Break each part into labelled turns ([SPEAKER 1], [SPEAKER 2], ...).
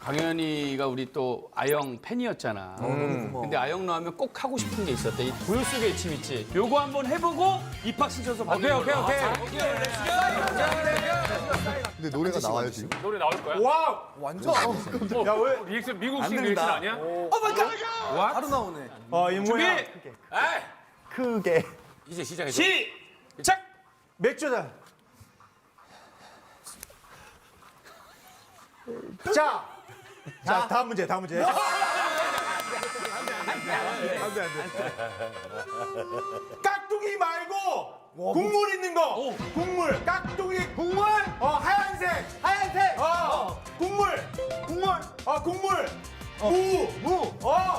[SPEAKER 1] 광현이가 우리 또 아영 팬이었잖아. 근데 아영 나오면 꼭 하고 싶은 게 있었대. 이 고요 속의 침 있지. 요거 한번 해보고 입학 신청서 받는
[SPEAKER 2] 오케이.
[SPEAKER 3] 근데 노래가 나와요 지금?
[SPEAKER 2] 노래 나올 거야?
[SPEAKER 4] 와
[SPEAKER 3] 완전.
[SPEAKER 4] 야 왜?
[SPEAKER 2] 리액션 미국식 리액션 아니야?
[SPEAKER 4] 바로 나오네. 이
[SPEAKER 2] 준비.
[SPEAKER 4] 뭐야?
[SPEAKER 3] 크게.
[SPEAKER 2] 이제 시작해.
[SPEAKER 1] 시작.
[SPEAKER 4] 맥주다. 자, 다음 문제. 안 돼. 깍두기 말고 국물 있는 거. 국물. 깍두기 국물. 하얀색. 국물. 국물. 무.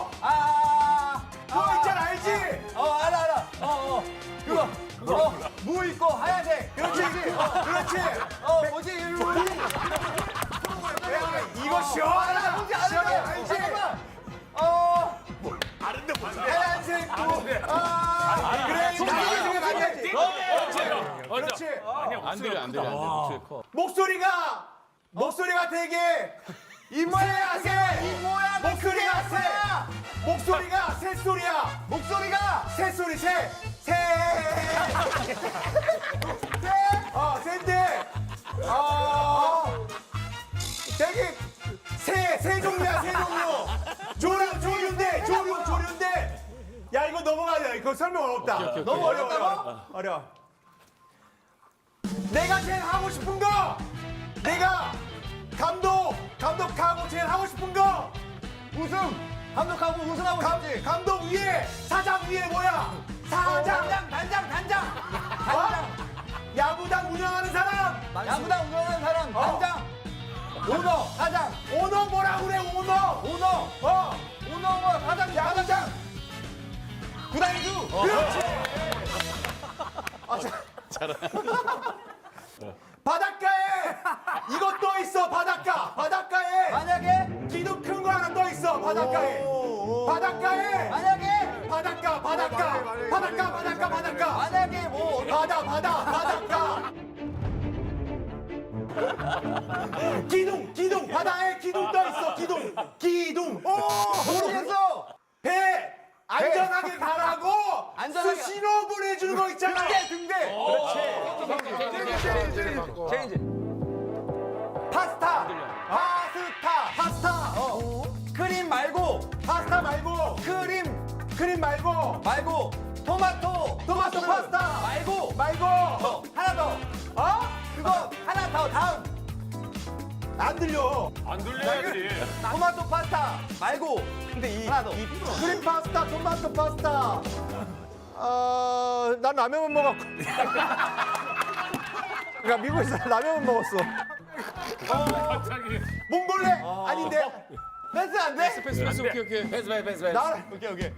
[SPEAKER 4] 그거 있잖아, 알지?
[SPEAKER 5] 알아. 그거. 무 있고 하얀색.
[SPEAKER 4] 그렇지.
[SPEAKER 5] 뭐지?
[SPEAKER 4] 이거 시원하다.
[SPEAKER 5] 뭔지
[SPEAKER 4] 시원해,
[SPEAKER 5] 알아.
[SPEAKER 4] 알지?
[SPEAKER 5] 잠깐만.
[SPEAKER 4] 하얀색 무. 그래, 이거 나중에 많이 하지. 그렇지.
[SPEAKER 1] 안 들려, 안 들려. 목소리 커.
[SPEAKER 4] 목소리가 되게 입모양 새. 목소리가 새. 목소리가 새소리야.
[SPEAKER 5] 목소리가
[SPEAKER 4] 새소리 새. 새인데. 되게 새 종류야, 새 종류. 조류인데. 야, 이거 넘어가자. 이거 설명 어렵다.
[SPEAKER 5] 너무 어렵다고?
[SPEAKER 4] 어려워. 내가 제일 하고 싶은 거. 내가 감독하고 제일 하고 싶은 거.
[SPEAKER 5] 우승. 감독하고 우승하고 싶지.
[SPEAKER 4] 감독 위에 사장 위에 뭐야? 사장.
[SPEAKER 5] 단장.
[SPEAKER 4] 야구단 운영하는 사람.
[SPEAKER 5] 야구단 운영하는 사람. 단장. 오너. 사장.
[SPEAKER 4] 오너 뭐라 그래? 오너.
[SPEAKER 5] 오너 뭐 사장.
[SPEAKER 4] 야구장.
[SPEAKER 5] 구단주.
[SPEAKER 4] 그렇지. 바닷가에 이거 떠 있어. 바닷가에
[SPEAKER 5] 만약에
[SPEAKER 4] 기둥 큰 거 하나 떠 있어. 바닷가에
[SPEAKER 5] 만약에
[SPEAKER 4] 바닷가
[SPEAKER 5] 만약에 뭐
[SPEAKER 4] 바닷가 기둥 바다에 기둥 떠 있어. 기둥
[SPEAKER 5] 모르겠어.
[SPEAKER 4] 배 안전하게 가라고
[SPEAKER 5] 안전하게.
[SPEAKER 4] 신호 보내주는 거 있잖아.
[SPEAKER 5] 등대. 체인지.
[SPEAKER 4] 파스타
[SPEAKER 5] 크림 말고
[SPEAKER 4] 파스타 말고 크림 말고
[SPEAKER 5] 토마토
[SPEAKER 4] 파스타
[SPEAKER 5] 말고 하나 더. 그거 하나 더 다음.
[SPEAKER 4] 안 들려.
[SPEAKER 2] 안 들려야지.
[SPEAKER 5] 토마토 파스타 말고 근데 하나 더.
[SPEAKER 4] 크림 파스타 토마토 파스타. 난 라면만 먹었고. 그러니까 미국에서 라면만 먹었어.
[SPEAKER 2] 갑자기.
[SPEAKER 4] 몽골레 아닌데.
[SPEAKER 5] 패스 안 돼?
[SPEAKER 1] 패스, 오케이.
[SPEAKER 2] 패스.
[SPEAKER 4] 나
[SPEAKER 5] 오케이.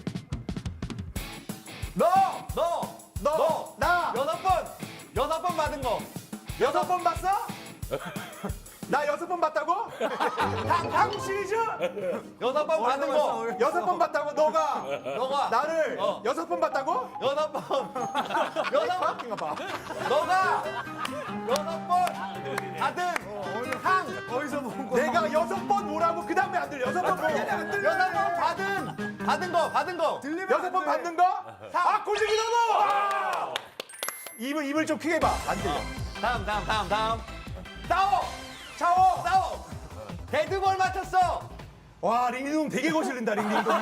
[SPEAKER 4] 나
[SPEAKER 5] 여섯 번 받은 거.
[SPEAKER 4] 6번 봤어? 나 6번 봤다고? 한국 시리즈?
[SPEAKER 5] 여섯 번 받은 거.
[SPEAKER 4] 6번 봤다고? 너가 나를
[SPEAKER 5] 어.
[SPEAKER 4] 6번 봤다고?
[SPEAKER 5] 여섯 번.
[SPEAKER 4] 인가 봐.
[SPEAKER 5] 너가 여섯 번 받은 상.
[SPEAKER 4] 어디서 본 거야? 내가 6번 뭐라고? 그 다음에 안 들려. 6번 뭐?
[SPEAKER 5] 여섯 번 받은 거.
[SPEAKER 4] 6번 받는 거? 골드기 넘어! 입을 좀 크게 봐. 안 들려.
[SPEAKER 5] 다음.
[SPEAKER 4] 샤워!
[SPEAKER 5] 데드볼 맞췄어.
[SPEAKER 4] 와, 링딩동 되게 거슬린다, 링딩동.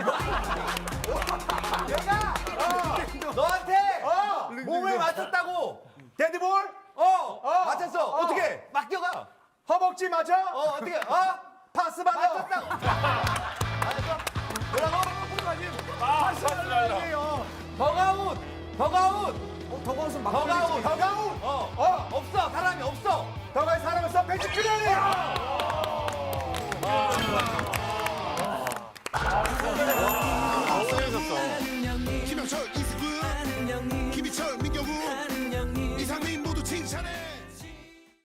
[SPEAKER 5] 내가 너한테 몸을 맞췄다고.
[SPEAKER 4] 데드볼?
[SPEAKER 5] 맞췄어. 어떻게? 맡겨가.
[SPEAKER 4] 허벅지 맞아?
[SPEAKER 5] 어떻게?
[SPEAKER 4] 파스 받아?
[SPEAKER 5] 맞췄다고. 맞았어? 뭐라고? 더가웃.
[SPEAKER 4] 더가웃은
[SPEAKER 5] 더가웃.
[SPEAKER 4] 더가웃?
[SPEAKER 5] 없어. 사람이 없어.
[SPEAKER 4] 더가웃 사람을 써 벤치 클리어링!